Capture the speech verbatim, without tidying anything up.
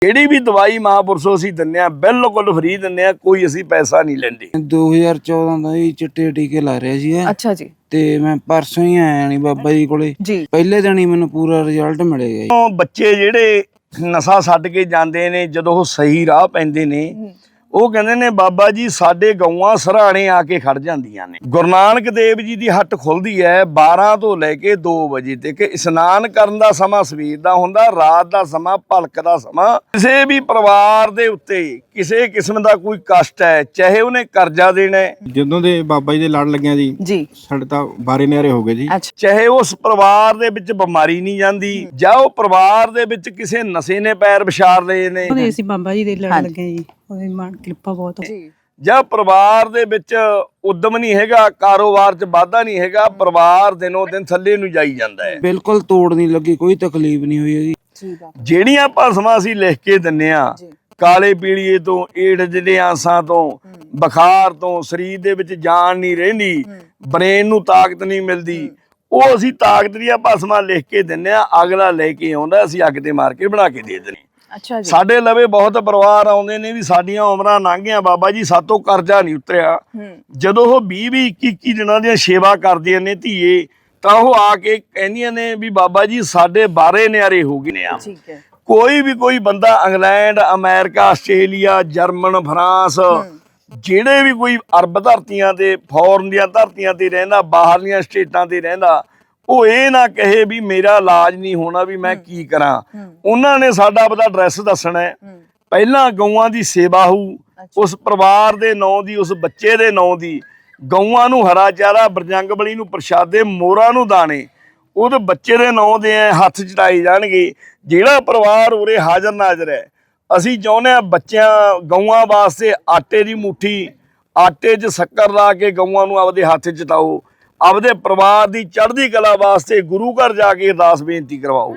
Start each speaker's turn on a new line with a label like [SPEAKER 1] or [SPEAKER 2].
[SPEAKER 1] ਜਿਹੜੀ ਵੀ ਦਵਾਈ ਮਹਾਂਪੁਰਸ਼ੋਂ ਅਸੀਂ ਦਿੰਦੇ ਆ ਬਿਲਕੁਲ ਫ੍ਰੀ ਦਿੰਦੇ ਆ, ਕੋਈ ਅਸੀਂ ਪੈਸਾ ਨਹੀਂ ਲੈਂਦੇ।
[SPEAKER 2] ਦੋ ਹਜ਼ਾਰ ਚੌਦਾਂ ਦਾ ਹੀ ਚਿੱਟੇ ਟੀਕੇ ਲਾ ਰਿਹਾ ਸੀ।
[SPEAKER 3] ਅੱਛਾ ਜੀ।
[SPEAKER 2] ਤੇ ਮੈਂ ਪਰਸੋਂ ਹੀ ਆਇਆ ਨਹੀਂ ਬਾਬਾ ਜੀ ਕੋਲੇ
[SPEAKER 3] ਜੀ।
[SPEAKER 2] ਪਹਿਲੇ ਦਿਨ ਹੀ ਮੈਨੂੰ ਪੂਰਾ ਰਿਜ਼ਲਟ ਮਿਲੇਗਾ ਜੀ।
[SPEAKER 1] ਬੱਚੇ ਜਿਹੜੇ ਨਸ਼ਾ ਛੱਡ ਕੇ ਜਾਂਦੇ ਨੇ, ਜਦੋਂ ਉਹ ਸਹੀ ਰਾਹ ਪੈਂਦੇ ਨੇ, ਉਹ ਕਹਿੰਦੇ ਨੇ ਬਾਬਾ ਜੀ ਸਾਡੇ ਗਊਆਂ ਸਰਾਣੇ ਆ ਕੇ ਖੜ ਜਾਂਦੀਆਂ ਨੇ। ਗੁਰੂ ਨਾਨਕ ਦੇਵ ਜੀ ਦੀ ਹੱਟ ਖੁੱਲਦੀ ਹੈ ਬਾਰਾਂ ਤੋਂ ਲੈ ਕੇ ਦੋ ਵਜੇ ਤੱਕ। ਇਸ਼ਨਾਨ ਕਰਨ ਦਾ ਸਮਾਂ ਸਵੇਰ ਦਾ ਹੁੰਦਾ, ਰਾਤ ਦਾ ਸਮਾਂ ਭਲਕ ਦਾ ਸਮਾਂ। ਕਿਸੇ ਵੀ ਪਰਿਵਾਰ ਦੇ ਉੱਤੇ ਕਿਸੇ ਕਿਸਮ ਦਾ ਕੋਈ ਕਸ਼ਟ ਹੈ, ਚਾਹੇ ਉਹਨੇ ਕਰਜ਼ਾ ਦੇਣਾ ਹੈ,
[SPEAKER 4] ਜਦੋਂ ਦੇ ਬਾਬਾ ਜੀ ਦੇ ਲੜ ਲੱਗਿਆ ਜੀ
[SPEAKER 3] ਜੀ
[SPEAKER 4] ਸਾਡੇ ਤਾਂ ਬਾਰੇ ਨਿਆਰੇ ਹੋ ਗਏ ਜੀ।
[SPEAKER 1] ਚਾਹੇ ਉਸ ਪਰਿਵਾਰ ਦੇ ਵਿੱਚ ਬਿਮਾਰੀ ਨਹੀਂ ਜਾਂਦੀ, ਜਾਂ ਉਹ ਪਰਿਵਾਰ ਦੇ ਵਿੱਚ ਕਿਸੇ ਨਸ਼ੇ ਨੇ ਪੈਰ ਵਿਛਾਰ ਲਏ ਨੇ,
[SPEAKER 5] ਉਹਦੇ ਅਸੀਂ ਬਾਬਾ ਜੀ ਦੇ ਲੜ ਲੱਗੇ ਜੀ, ਉਹਦੀ ਮਾਨ ਕਿਰਪਾ ਬਹੁਤ ਹੋ।
[SPEAKER 1] ਜਾਂ ਪਰਿਵਾਰ ਦੇ ਵਿੱਚ ਉਦਮ ਨਹੀਂ ਹੈਗਾ, ਕਾਰੋਬਾਰ 'ਚ ਵਾਧਾ ਨਹੀਂ ਹੈਗਾ, ਪਰਿਵਾਰ ਦਿਨੋਂ ਦਿਨ ਥੱਲੇ ਨੂੰ ਜਾਈ ਜਾਂਦਾ ਹੈ।
[SPEAKER 2] ਬਿਲਕੁਲ ਤੋੜ ਨਹੀਂ ਲੱਗੀ, ਕੋਈ ਤਕਲੀਫ ਨਹੀਂ ਹੋਈ ਹੈਗੀ।
[SPEAKER 1] ਜਿਹੜੀਆਂ ਭਸਮਾਂ ਅਸੀਂ ਲਿਖ ਕੇ ਦਿੰਨੇ ਆ, ਕਾਲੇ ਪੀਲੀਏ ਤੋਂ, ਏਡਜ਼ ਦੇ ਆਸਾਂ ਤੋਂ, ਬੁਖਾਰ ਤੋਂ, ਸਰੀਰ ਦੇ ਵਿੱਚ ਜਾਨ ਨਹੀਂ ਰਹਿੰਦੀ, ਬ੍ਰੇਨ ਨੂੰ ਤਾਕਤ ਨਹੀਂ ਮਿਲਦੀ, ਉਹ ਅਸੀਂ ਤਾਕਤ ਦੀਆਂ ਭਸਮਾਂ ਲਿਖ ਕੇ ਦਿੰਨੇ ਆ। ਅਗਲਾ ਲੈ ਕੇ ਆਉਂਦਾ, ਅਸੀਂ ਅੱਗ ਤੇ ਮਾਰ ਕੇ ਬਣਾ ਕੇ ਦੇ ਦਿੰਦੇ।
[SPEAKER 3] ਅੱਛਾ ਜੀ।
[SPEAKER 1] ਸਾਡੇ ਲਵੇ ਬਹੁਤ ਪਰਿਵਾਰ ਆਉਂਦੇ ਨੇ ਵੀ ਸਾਡੀਆਂ ਉਮਰਾਂ ਲੰਘ ਗਈਆਂ ਬਾਬਾ ਜੀ, ਸਾਤੋਂ ਕਰਜ਼ਾ ਨਹੀਂ ਉਤਰਿਆ। ਜਦੋਂ ਉਹ ਵੀਹ ਵੀਹ ਇੱਕੀ ਇੱਕੀ ਦਿਨਾਂ ਦੀਆਂ ਸੇਵਾ ਕਰਦੀਆਂ ਨੇ ਧੀਏ, ਤਾਂ ਉਹ ਆ ਕੇ ਕਹਿੰਦੀਆਂ ਨੇ ਵੀ ਬਾਬਾ ਜੀ ਸਾਡੇ ਬਾਰੇ ਨਿਆਰੇ ਹੋ ਗਏ ਨੇ ਆ।
[SPEAKER 3] ਠੀਕ ਹੈ। ਕੋਈ
[SPEAKER 1] ਵੀ ਕੋਈ ਬੰਦਾ England, America, Australia, German, France, ਜਿਹੜੇ ਵੀ ਕੋਈ ਅਰਬ ਧਰਤੀਆਂ ਤੇ, ਫੋਰਨ ਦੀਆਂ ਧਰਤੀਆਂ ਤੇ ਰਹਿੰਦਾ, ਬਾਹਰਲੀਆਂ ਸਟੇਟਾਂ ਤੇ ਰਹਿੰਦਾ, ਉਹ ਇਹ ਨਾ ਕਹੇ ਵੀ ਮੇਰਾ ਇਲਾਜ ਨਹੀਂ ਹੋਣਾ, ਵੀ ਮੈਂ ਕੀ ਕਰਾਂ। ਉਹਨਾਂ ਨੇ ਸਾਡਾ ਆਪਦਾ ਐਡਰੈਸ ਦੱਸਣਾ ਹੈ, ਪਹਿਲਾਂ ਗਊਆਂ ਦੀ ਸੇਵਾ ਹੋਊ, ਉਸ ਪਰਿਵਾਰ ਦੇ ਨਾਂ ਦੀ, ਉਸ ਬੱਚੇ ਦੇ ਨਾਂ ਦੀ, ਗਊਆਂ ਨੂੰ ਹਰਾ ਚਾਰਾ, ਬਰਜੰਗ ਬਲੀ ਨੂੰ ਪ੍ਰਸ਼ਾਦੇ, ਮੋਰਾਂ ਨੂੰ ਦਾਣੇ, ਉਹਦੇ ਬੱਚੇ ਦੇ ਨਾਂ ਦੇ ਹੱਥ ਚੜਾਏ ਜਾਣਗੇ। ਜਿਹੜਾ ਪਰਿਵਾਰ ਉਰੇ ਹਾਜ਼ਰ ਨਾਜ਼ਰ ਹੈ, ਅਸੀਂ ਚਾਹੁੰਦੇ ਹਾਂ ਬੱਚਿਆਂ ਗਊਆਂ ਵਾਸਤੇ ਆਟੇ ਦੀ ਮੁੱਠੀ, ਆਟੇ 'ਚ ਸ਼ੱਕਰ ਲਾ ਕੇ ਗਊਆਂ ਨੂੰ ਆਪਦੇ ਹੱਥ ਚਟਾਓ, ਆਪਦੇ ਪਰਿਵਾਰ ਦੀ ਚੜ੍ਹਦੀ ਕਲਾ ਵਾਸਤੇ ਗੁਰੂ ਘਰ ਜਾ ਕੇ ਅਰਦਾਸ ਬੇਨਤੀ ਕਰਵਾਓ।